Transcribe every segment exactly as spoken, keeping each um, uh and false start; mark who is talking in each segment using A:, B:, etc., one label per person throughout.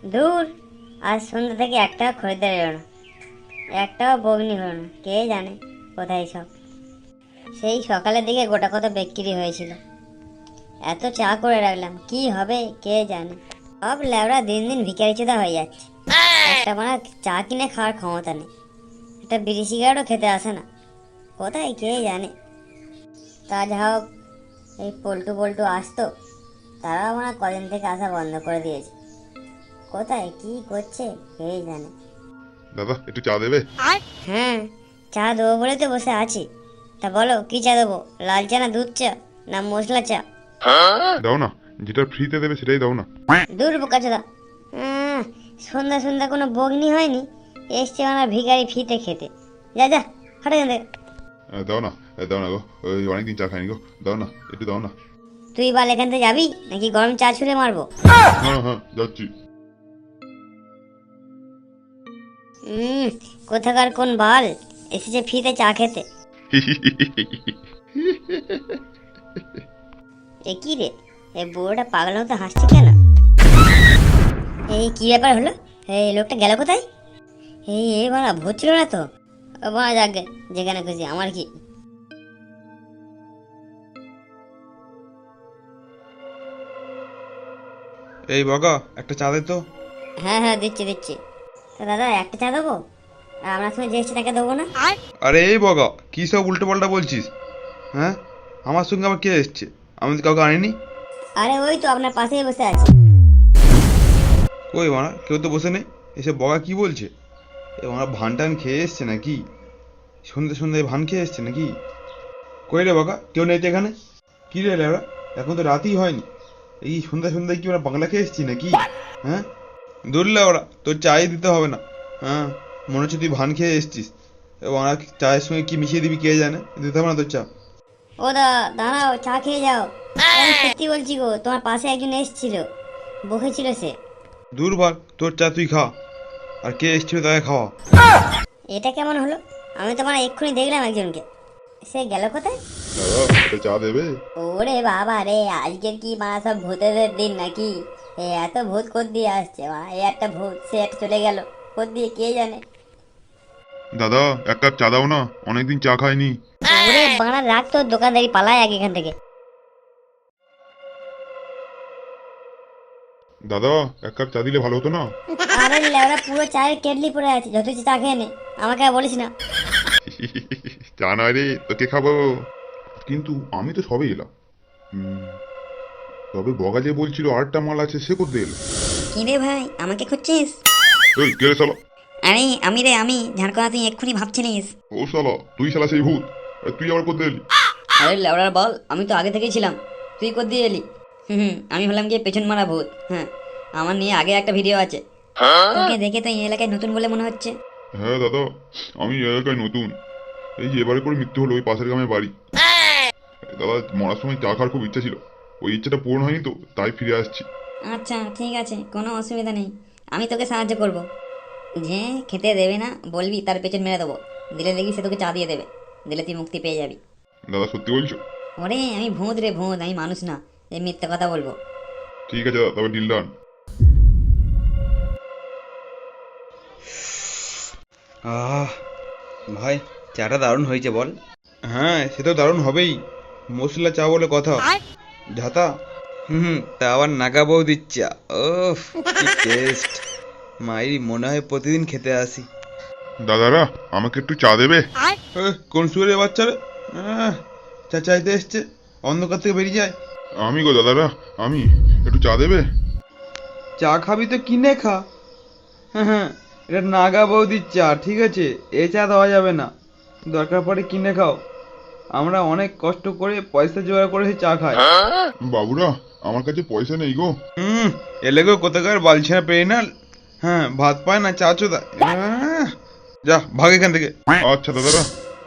A: দূর, আজ সন্ধ্যা থেকে একটাও খরিদ্দার এলো না, একটাও বগ্নি হলো না। কে জানে কোথায় সব। সেই সকালের দিকে গোটা কত বিক্রি হয়েছিল, এত চা করে রাখলাম, কি হবে কে জানে। সব ল্যাবরা দিন দিন ভিখারি চোদা হয়ে যাচ্ছে, একটা মানে চা কিনে খাওয়ার ক্ষমতা নেই, একটা বিড়ি সিগারেটও খেতে আসে না, কোথায় কে জানে। তা যা হোক, এই পল্টু পল্টু আসতো, তারাও মানে কদিন থেকে আসা বন্ধ করে দিয়েছে, কোথায় কি করছে কে জানে।
B: দাদা একটু চা দেবে?
A: হ্যাঁ, চা দেবো বলে তো বসে আছি। তা বলো কি চা দেবো, লাল চা না দুধ চা না মশলা চা?
B: দাও না, যেটা ফ্রিতে দেবে সেটাই দাও না।
A: দূর বোকা চোদা, সন্ধ্যা সন্ধ্যা কোনো বগ্নি হয়নি, এসছে আমার ভিখারি ফিতে খেতে। যা যা হাটে এখান থেকে।
B: আহ, দাও না, আহ, দাও না গো, ওই অনেকদিন চা খাইনি গো, দাও না একটু দাও না।
A: তুই বাল এখান থেকে যাবি নাকি গরম চা ছুঁড়ে মারবো?
B: হ্যাঁ হ্যাঁ যাচ্ছি।
A: হুম, কোথাকার কোন বাল এসেছে ফিতে চা খেতে। এ কি রে, এই বুড়োটা পাগল মতো হাসছে কেন? এই কি ব্যাপার হলো, এই লোকটা গেল কোথায়? এই এই বাড়া ভূত ছিল না তো? ও বাড়া যাকে যেখানে খুশি, আমার কি।
C: এই বগা একটা চা দে তো।
A: হ্যাঁ হ্যাঁ দিচ্ছি দিচ্ছি। তা দাদা একটা চা দেবো, আর আপনার সঙ্গে যে এসছে তাকে দেবো না?
C: আরে এই বগা কি সব উল্টো পাল্টা বলছিস? হ্যাঁ, আমার সঙ্গে আবার কে এসছে? আমি তো কাউকে আনিনি।
A: আরে ওই তো আপনার পাশেই বসে আছে।
C: কই মারা, কেউ তো বসে নেই। এসে বগা কি বলছে? এ মারা ভান টান খেয়ে এসছে নাকি? সন্ধ্যে সন্ধ্যায় ভান খেয়ে এসছে নাকি? কই রে বগা, কেউ নেই তো এখানে? কি রে লেবরা, এখন তো রাতই হয়নি, এই সন্ধ্যা সন্ধ্যায় কি ওরা বাংলা খেয়ে এসছি নাকি? হ্যাঁ, দূরলে ওরা তোর চাই দিতে হবে না। হ্যাঁ, মনে হচ্ছে তুই ভান খেয়ে এসছিস, এবং আর চায়ের সঙ্গে কি মিশিয়ে দিবি কে জানে, দিতে হবে না তোর চা।
A: ও দা দাঁড়াও, চা খেয়ে যাও। আমি সত্যি বলছি গো, তোমার পাশে একজন এসেছিল, বসেছিল সে।
C: দূর ভাগ, তোর চা তুই খা, আর কে এসছিল তাকে খাওয়া।
A: এটা কেমন হলো? আমি তো মানে এক্ষুনি দেখলাম একজনকে, সে গেল কোথায়?
B: দাদা একটা চা দেবে?
A: ওরে বাবা রে, আজকের কি মানে সব ভূতেদের দিন নাকি? এ এত ভূত কোথ দিয়ে আসছে, মা এ একটা ভূত, সে একটা চলে গেল কোথ দিয়ে কে জানে।
B: দাদা এক কাপ চা দাও না, অনেকদিন চা খাইনি।
A: ওরে বাড়া রাখ তোর দোকানদারি, পালায় আগে এখান থেকে।
B: দাদা এক কাপ চা দিলে ভালো হতো না?
A: আরে লেওরা পুরো চায়ের কেটলি পড়ে আছে, যত ইচ্ছে চা খেয়ে নে, আমাকে আর বলিস না।
B: চা নয় রে, তোকে খাবো। কিন্তু আমি তো সবে এলাম। হুম, তবে বগা যে বলছিল আটটা মাল আছে, সে করতে এলো?
A: কি রে ভাই, আমাকে খুঁজছিস?
B: এই কে রে শালা?
A: আরে আমি রে আমি, ঝাড়কোনা তুই এক্ষুনি ভাবছিলিস।
B: ও শালা, তুই শালা সেই ভূত, আর তুই আবার করতে এলি?
A: আরে লেওড়ার বল, আমি তো আগে থেকেই ছিলাম, তুই কোথ দিয়ে এলি? হুম হুম, আমি হলাম গিয়ে পেছন মারা ভূত। হ্যাঁ, আমার নিয়ে আগে একটা ভিডিও আছে, তোকে দেখে তো এই এলাকায় নতুন বলে মনে হচ্ছে।
B: হ্যাঁ দাদা, আমি এই এলাকায় নতুন, এই যে এবারে করে মৃত্যু হলো ওই পাশের গ্রামে বাড়ি। দাদা মরার সময় চা খাওয়ার খুব ইচ্ছা ছিল, ওই ইচ্ছাটা পূরণ হয়নি তো, তাই ফিরে আসছি।
A: আচ্ছা ঠিক আছে, কোনো অসুবিধা নেই, আমি তোকে সাহায্য করব। যে খেতে দেবে না বলবি, তার পেছন মেরে দেবো, দিলে দেখি সে তোকে চা দিয়ে দেবে, দিলে তুই মুক্তি পেয়ে যাবি।
B: দাদা সত্যি বলছো?
A: ওরে আমি ভূত রে ভূত, আমি মানুষ না যে মিথ্যে কথা বলবো।
B: ঠিক আছে দাদা, তবে ডিল ডান।
C: আহ ভাই, চাটা দারুণ হয়েছে বল। হ্যাঁ, সে তো দারুণ হবেই, মশলা চা বলে কথা। ঝাতা, হুম হুম, তা আবার নাগা বৌদির চা, ওফ কি টেস্ট! মায়েরই মনে হয় প্রতিদিন খেতে আসি।
B: দাদারা আমাকে একটু চা দেবে?
C: এ, কোন সুরে বাচ্চারা আহ, চা চাইতে এসছে, অন্ধকার থেকে বেরিয়ে যায়।
B: আমি গো দাদারা, আমি, একটু চা দেবে?
C: চা খাবি তো কিনে খা। হ্যাঁ হ্যাঁ, এটা নাগা বৌদির চা, ঠিক আছে, এ চা দেওয়া যাবে না, দরকার পড়ে কিনে খাও। আমরা অনেক কষ্ট করে পয়সা জোগাড় করে চা খাই।
B: বাবুরা আমার কাছে পয়সা নেই গো।
C: হুম, এলে গো কোথাকার বালছেনা পেয়ে না। হ্যাঁ, ভাত পায় না চা চোদা। আহ, যা ভাগ এখান থেকে।
B: আচ্ছা দাদারা।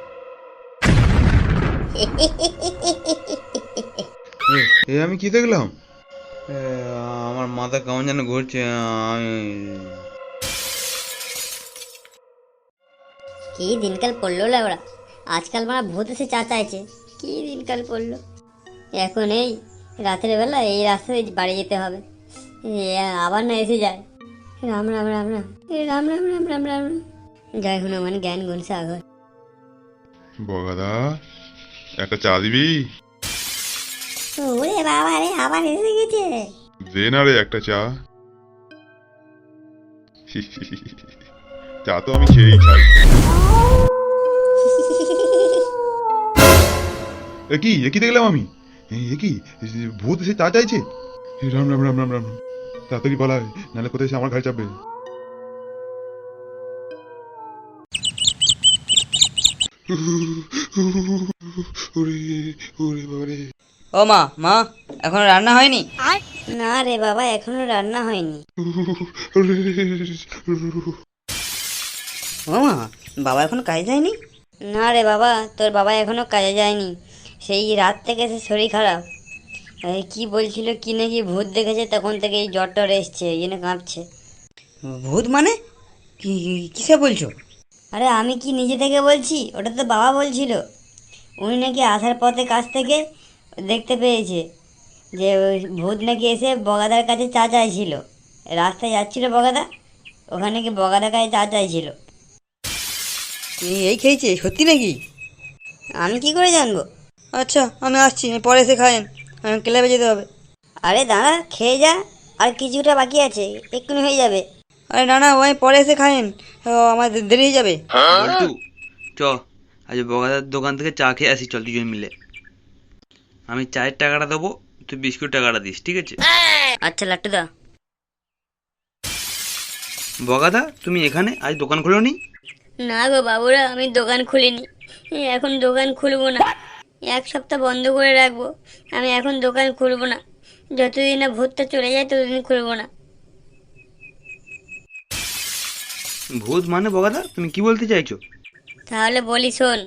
C: এ, এ আমি কি দেখলাম? এ, আমার মাথা কেমন যেন ঘুরছে। আমি
A: কি দিনকাল পড়লো লেওড়া, আজকাল মানে ভূত এসে চা চাইছে, কি দিনকাল পড়লো। এখন এই রাতের বেলা এই রাস্তায় বাড়ি যেতে হবে, এ আবার না এসে যায়। রাম রাম রাম রাম এ রাম রাম রাম রাম রাম রাম জয় হনুমান জ্ঞান গুণ সাগর।
B: বগাদা একটা চা দিবি?
A: ওরে বাবা রে, আবার এসে গেছে।
B: দে না রে একটা চা। চা তো আমি খেয়েই খাই। এ কি এ কি দেখলাম আমি? এ কি ভূত এসে চা চাইছে? এ রাম রাম রাম রাম রাম রাম। তাড়াতাড়ি পালায়, নাহলে কোথায় এসে আমার ঘাড়ে চাপবে। ওরে ওরে বাবারে।
D: ও মা, মা এখনো রান্না হয়নি?
A: না রে বাবা, এখনো রান্না হয়নি।
D: ও মা, বাবা এখনো কাজে যায়নি?
A: না রে বাবা, তোর বাবা এখনো কাজে যায়নি। সেই রাত থেকে সে শরীর খারাপ। এই কি বলছিল কি নাকি ভূত দেখেছে, তখন থেকে এই জ্বর টর এসছে, এই জন্য কাঁপছে।
D: ভূত মানে কি? কিসে বলছো?
A: আরে আমি কি নিজে থেকে বলছি, ওটা তো বাবা বলছিল। উনি নাকি আসার পথে কাছ থেকে দেখতে পেয়েছে যে ওই ভূত নাকি এসে বগাদার কাছে চা চাইছিল। রাস্তায় যাচ্ছিল বগাদা, ওখানে কি বগাদার কাছে চা চাইছিল।
D: এই- এই খেয়েছে সত্যি নাকি?
A: আমি কি করে জানবো?
D: আচ্ছা আমি আসছি, পরে এসে খায়েন, আমি ক্লাবে যেতে হবে।
A: আরে দাঁড়া, খেয়ে যা, আর কিছুটা বাকি আছে, এক্ষুনি হয়ে যাবে।
D: আরে না না, ওই পরে এসে খায়েন, ও, আমার দে- দেরি হয়ে যাবে।
E: বল্টু, চ আজ বগাদার দোকান থেকে চা খেয়ে আসি, চল দুজন মিলে। আমি চায়ের টাকাটা দেবো, তুই বিস্কুট টাকাটা দিস, ঠিক আছে?
A: আচ্ছা লাট্টুদা।
E: বগাদা তুমি এখানে আজ দোকান খুলো নি?
A: না গো বাবুরা, আমি দোকান খুলিনি, এখন দোকান খুলবো না। এক সপ্তাহ বন্ধ করে রাখবো, আমি এখন দোকান খুলবো না। যতদিন না ভূতটা চলে যায় ততদিন খুলবো না।
E: ভূত মানে বগাদা তুমি কি বলতে চাইছো?
A: তাহলে বলি শোন।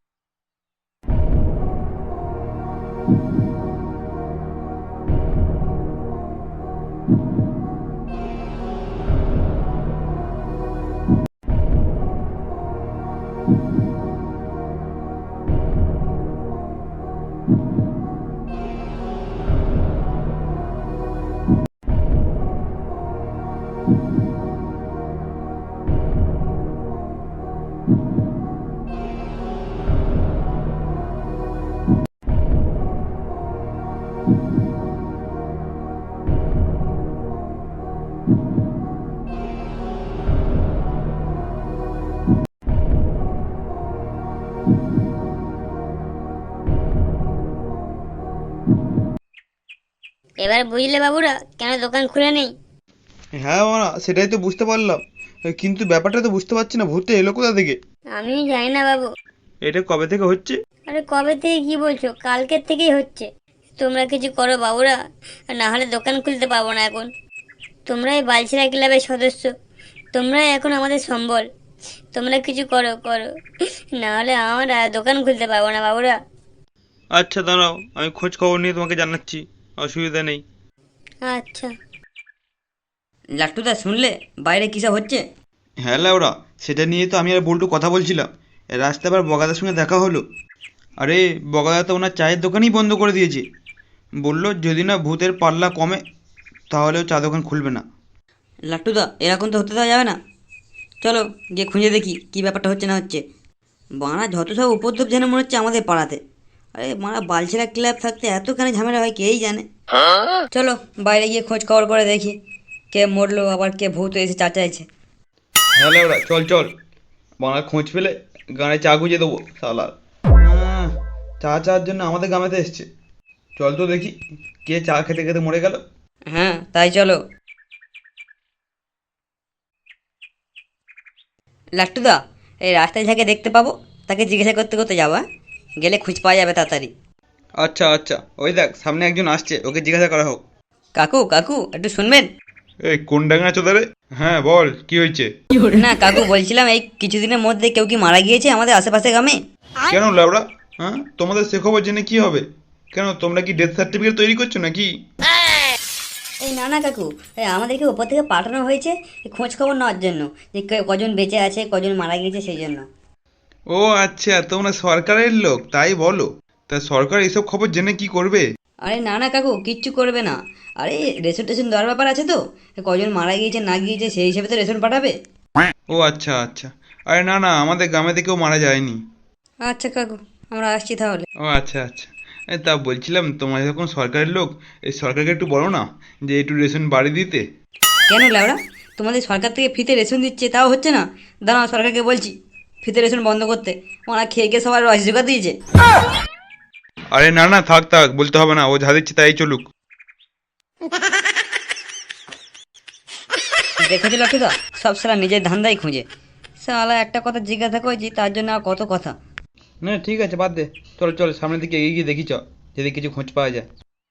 A: এবার বুঝলে বাবুরা কেন দোকান খুলে নেই?
C: হ্যাঁ মারা, সেটাই তো বুঝতে পারলাম, কিন্তু ব্যাপারটা তো বুঝতে পারছি না, ভূতটা এলো কোথা থেকে?
A: আমি জানি না বাবু।
C: এটা কবে থেকে হচ্ছে?
A: আরে কবে থেকে কি বলছো, কালকের থেকেই হচ্ছে। তোমরা কিছু করো বাবুরা, না হলে দোকান খুলতে পারবো না এখন। তোমরাই বালছিরা ক্লাবের সদস্য, তোমরাই এখন আমাদের সম্বল। তোমরা কিছু করো করো, না হলে আমরা দোকান খুলতে পারবো না বাবুরা।
C: আচ্ছা দাঁড়াও, আমি খোঁজ খবর নিয়ে তোমাকে জানাচ্ছি, অসুবিধা নেই।
A: আচ্ছা।
D: লাট্টুদা শুনলে বাইরে কিসব হচ্ছে?
C: হ্যাঁ লাউরা, সেটা নিয়ে তো আমি আর বল্টু কথা বলছিলাম। রাস্তায় আবার বগাদার সঙ্গে দেখা হলো। আরে বগাদা তো ওনার চায়ের দোকানই বন্ধ করে দিয়েছে। বললো যদি না ভূতের পাল্লা কমে তাহলে ও চা দোকান খুলবে না।
D: লাট্টুদা এরকম তো হতে দেওয়া যাবে না, চলো গিয়ে খুঁজে দেখি কি ব্যাপারটা হচ্ছে না হচ্ছে। বাড়া যত সব উপদ্রব যেন মনে হচ্ছে আমাদের পাড়াতে। আরে মারা বালছেরা ক্লাব থাকতে এতখানি ঝামেলা হয় কেই জানে। চলো বাইরে গিয়ে খোঁজ খবর করে দেখি কে মরলো, আবার কে ভূত এসে চা চাইছে।
C: হ্যাঁ লাউরা, চল চল, বাংলা খোঁজ পেলে গানে চা গুঁজে দেবো সালার। চা চার জন্য আমাদের গ্রামেতে এসছে। চল তো দেখি কে চা খেতে খেতে মরে গেল।
D: হ্যাঁ তাই চলো। লাট্টুদা, এই রাস্তায় যাকে দেখতে পাবো তাকে জিজ্ঞাসা করতে করতে যাবো, হ্যাঁ? গেলে খুঁজ পাওয়া যাবে তাড়াতাড়ি।
C: আচ্ছা আচ্ছা, ওই দেখ সামনে একজন আসছে, ওকে জিজ্ঞাসা করা হোক।
D: কাকু কাকু একটু শুনবেন?
B: এই কোন ডাঙ্গা চোদারে? হ্যাঁ বল, কি হয়েছে?
D: না কাকু, বলছিলাম এই কিছুদিনের মধ্যে কেউ কি মারা গিয়েছে আমাদের আশেপাশে গ্রামে?
B: কেন লাউড়া? হ্যাঁ, তোমাদের সে খবর জেনে কি হবে? কেন তোমরা কি ডেথ সার্টিফিকেট তৈরি করছো নাকি?
D: এই না না কাকু, এই আমাদেরকে উপর থেকে পাঠানো হয়েছে এই খোঁজ খবর নেওয়ার জন্য, যে কে- কজন বেঁচে আছে কজন মারা গিয়েছে সেই জন্য।
B: ও আচ্ছা, তোমরা সরকারের লোক তাই বলো। তা সরকার এসব খবর জেনে কি করবে?
D: আরে না না কাকু কিচ্ছু করবে না। আরে রেশন টেশন দেওয়ার ব্যাপার আছে তো, কজন মারা গিয়েছে না গিয়েছে সেই হিসেবে তো রেশন পাঠাবে।
C: ও আচ্ছা আচ্ছা। আরে না না, আমাদের গ্রামে থেকেও মারা যায়নি।
D: আচ্ছা কাকু, আমরা আসছি তাহলে।
C: ও আচ্ছা আচ্ছা। এ, তা বলছিলাম তোমার যখন সরকারের লোক, এই সরকারকে একটু বলো না যে একটু রেশন বাড়ি দিতে।
D: কেন ল্যাবড়া, তোমাদের সরকার থেকে ফ্রিতে রেশন দিচ্ছে তাও হচ্ছে না? দাঁড়াও সরকারকে বলছি ফ্রিতে রেশন বন্ধ করতে, ওরা খেয়ে খেয়ে সবার রস জোগাড় দিয়েছে।
C: আরে না না, থাক থাক, বলতে হবে না, ও যা দিচ্ছে তাই চলুক।
D: দেখেছিল লাটুদা, সব সালা নিজের ধান্দাই খুঁজে। সালা একটা কথা জিজ্ঞাসা করেছি তার জন্য আর কত কথা।
C: না ঠিক আছে, বাদ দে, চল চল সামনের দিকে এগিয়ে গিয়ে দেখি চ, যদি কিছু খোঁজ পাওয়া যায়।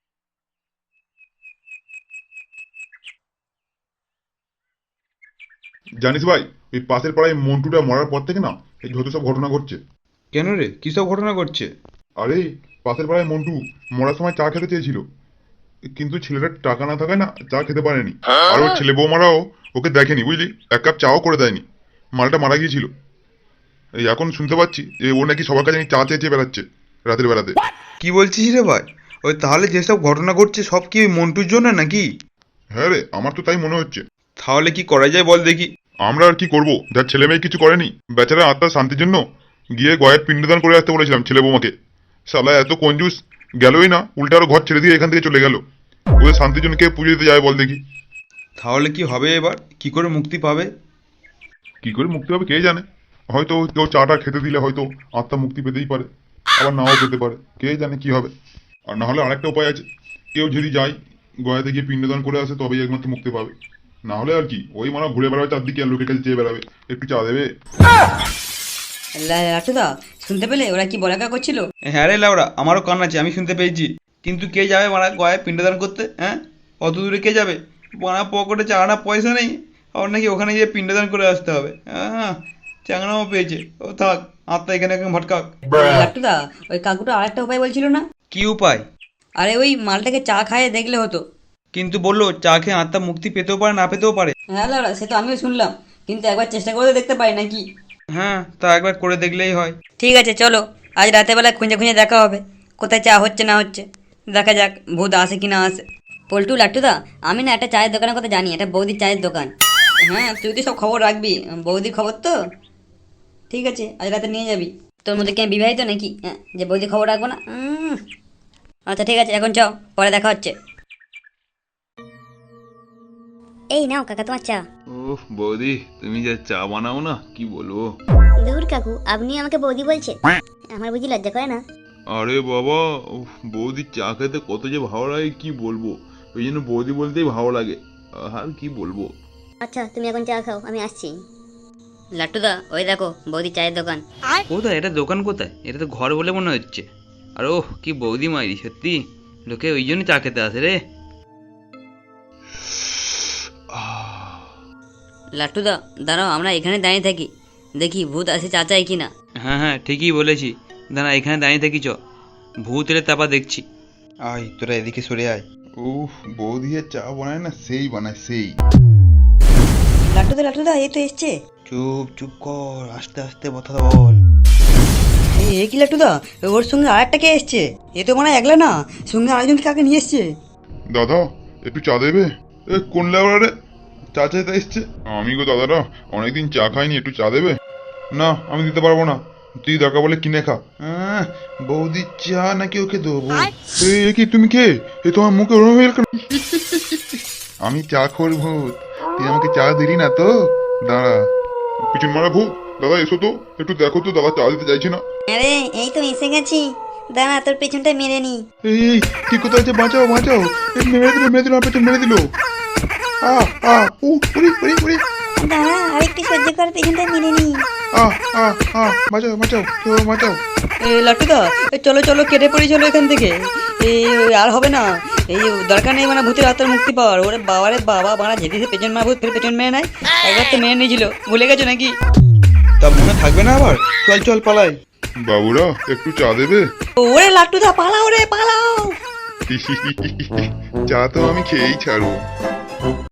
B: জানিস ভাই, ওই পাশের পাড়ায় মন্টুটা মরার পর থেকে না এই যত সব ঘটনা ঘটছে।
C: কেন রে, কী সব ঘটনা ঘটছে?
B: আরে পাশের পাড়ায় মন্টু মরার সময় চা খেতে চেয়েছিল, কিন্তু ছেলেটার টাকা না থাকায় না চা খেতে পারেনি। আর ওর ছেলে বৌমারাও ওকে দেখেনি, বুঝলি, এক কাপ চাও করে দেয়নি। মালটা মারা গিয়েছিল। এই এখন শুনতে পাচ্ছি যে ও নাকি সবার কাছে নাকি চা চেয়ে চেয়ে বেড়াচ্ছে রাতের বেলাতে।
C: কি বলছিস রে ভাই? ওই তাহলে যেসব ঘটনা ঘটছে সব কি ওই মন্টুর জন্য নাকি?
B: হ্যাঁ রে, আমার তো তাই মনে হচ্ছে।
C: তাহলে কি করা যায় বল দেখি।
B: আমরা আর কি করব, যার ছেলে মেয়ে কিছু করেনি, বেচারা আত্মার শান্তির জন্য গিয়ে গয়ের পিণ্ডদান করে আসতে বলেছিলাম ছেলে বৌমাকে। শালা এত কঞ্জুস, গেলই না, উল্টা আরো ঘর ছেড়ে দিয়ে এখান থেকে চলে গেল। ওদের শান্তির জন্য কে পুজো দিতে যায় বল দেখি।
C: তাহলে কি হবে এবার? কি করে মুক্তি পাবে?
B: কি করে মুক্তি পাবে কে জানে, হয়তো কেউ চাটা খেতে দিলে হয়তো আত্মা মুক্তি পেতেই পারে, আবার নাও পেতে পারে, কে জানে কি হবে। আর না হলে আরেকটা উপায় আছে, কেউ যদি যায় গয়াতে গিয়ে পিণ্ডদান করে আসে তবেই একমাত্র মুক্তি পাবে। না হলে আর কি, ওই মানে ঘুরে বেড়াবে চারদিকে আর লোকের কাছে চেয়ে বেড়াবে একটু চা দেবে।
D: লা- লাটুদা, শুনতে পেলে ওরা কি বলাকা করছিল?
C: হ্যাঁ রে লাউড়া, আমারও কান আছে, আমি শুনতে পেয়েছি। কিন্তু কে যাবে মারা গয়ায় পিণ্ডদান করতে? হ্যাঁ, অত দূরে কে যাবে? মারা পকেটে চাঙানা পয়সা নেই, আর নাকি ওখানে গিয়ে পিণ্ডদান করে আসতে হবে? হ্যাঁ, চাঙানাও পেয়েছে, ও থাক, আত্মা এখানে এখন ভটকাক।
D: লাটুদা, ওই কাকুটা আরেকটা উপায় বলছিল না?
C: কি উপায়?
D: আরে ওই মালটাকে চা খাইয়ে দেখলে হতো।
C: কিন্তু বললো চা খেয়ে আত্মা মুক্তি পেতেও পারে না পেতেও পারে।
D: হ্যাঁ লাউড়া, সে তো আমিও শুনলাম, কিন্তু একবার চেষ্টা করে দেখতে পারি নাকি?
C: হ্যাঁ, তা একবার করে দেখলেই হয়।
D: ঠিক আছে চলো, আজ রাতের বেলা খুঁজে খুঁজে দেখা হবে কোথায় চা হচ্ছে না হচ্ছে। দেখা যাক ভূত আসে কি না আসে। পল্টু লাট্টুদা, আমি না একটা চায়ের দোকানের কথা জানি, এটা বৌদির চায়ের দোকান। হ্যাঁ, তুই তো সব খবর রাখবি, বৌদির খবর তো। ঠিক আছে, আজ রাতে নিয়ে যাবি। তোর মধ্যে কি আমি বিবাহিত নাকি, হ্যাঁ, যে বৌদির খবর রাখবো না? উম, আচ্ছা ঠিক আছে, এখন চাও, পরে দেখা হচ্ছে।
A: এই নাও কাকা তোমার চা।
F: ওহ বৌদি, তুমি যা চা বানাও না, কি বলবো।
A: দূর কাকু, আপনি আমাকে বৌদি বলছেন, আমার বুঝি লজ্জা করে না?
F: আরে বাবা, উফ, বৌদির চা খেতে কত যে ভালো লাগে কি বলবো, ওই জন্য বৌদি বলতেই ভালো লাগে, আর কি বলবো।
A: আচ্ছা তুমি এখন চা খাও, আমি আসছি।
D: লাট্টুদা, ওই দেখো বৌদির চায়ের দোকান।
E: কোথায় এটা, দোকান কোথায়? এটা তো ঘর বলে মনে হচ্ছে। আর ওহ, কি বৌদি মাইরি, সত্যি লোকে ওই জন্য চা খেতে আসে রে।
D: লাট্টুদা দাঁড়াও, আমরা এখানে দাঁড়িয়ে থাকি, দেখি ভূত আসে চা চাই কিনা।
E: হ্যাঁ হ্যাঁ, ঠিকই বলেছি, দাঁড়া এখানে দাঁড়িয়ে থাকি, চ ভূত এলে তারপর দেখছি।
C: আয় তোরা এদিকে সরে আয়।
B: উফ, বৌদি যে চা বানায় না সেই বানায় সেই।
D: লাট্টুদা লাট্টুদা, এই তো এসছে।
C: চুপ চুপ কর, আস্তে আস্তে কথা বল।
D: এই এ কি লাট্টুদা, ওর সঙ্গে আর একটা কে এসছে? এ তো মানে একলা না, সঙ্গে আরেকজন কাকে নিয়ে এসছে।
B: দাদা একটু চা দেবে? এ কোন লেবার রে, চা চাইতে এসছে? আমি গো দাদারা, অনেকদিন চা খাইনি, একটু চা দেবে? না আমি দিতে পারবো না, তুই দরকার বলে কিনে খা। আহ, বৌদির চা নাকি ওকে দেবো? এই, এ কি তুমি কে? এ তোমার মুখে ওরম হয়ে গেল কেন? আমি চা খোর ভূত, তুই আমাকে চা দিলি না তো, দাঁড়া। পিছন মারা ভূত, দাদা এসো তো, একটু দেখো তো, দাদা চা দিতে চাইছি না।
A: আরে এই তো এসে গেছি, দাঁড়া তোর পেছনটা মেরে নি।
B: এই এই, কি কোথায় আছে, বাঁচাও বাঁচাও, এই মেরে দিল মেরে দিল, আমার পেছন মেরে দিল। আ আ উ উড়ি উড়ি উড়ি,
A: দাঁড়া আরেকটু সহ্য কর, পেছনটা মেরে নি।
B: আ আ আ বাঁচাও বাঁচাও, কেউ বাঁচাও।
D: এ লাট্টুদা, এ চলো চলো, কেটে পড়ি চলো এখান থেকে। এই আর হবে না, এই দরকার নেই মানে ভূতের আত্মার মুক্তি পাওয়ার। ওরে বাবারে বাবা, বাড়া যেদিকে পেছন মারা ভূত ফের পেছন মেরে নেয়, একবার তো মেরে নিয়েছিল, ভুলে গেছো নাকি?
C: তা মনে থাকবে না আবার? চল চল পালাই।
B: বাবুরা একটু চা দেবে?
D: ওরে লাট্টুদা, পালাও রে পালাও।
B: চা তো আমি খেয়েই ছাড়বো।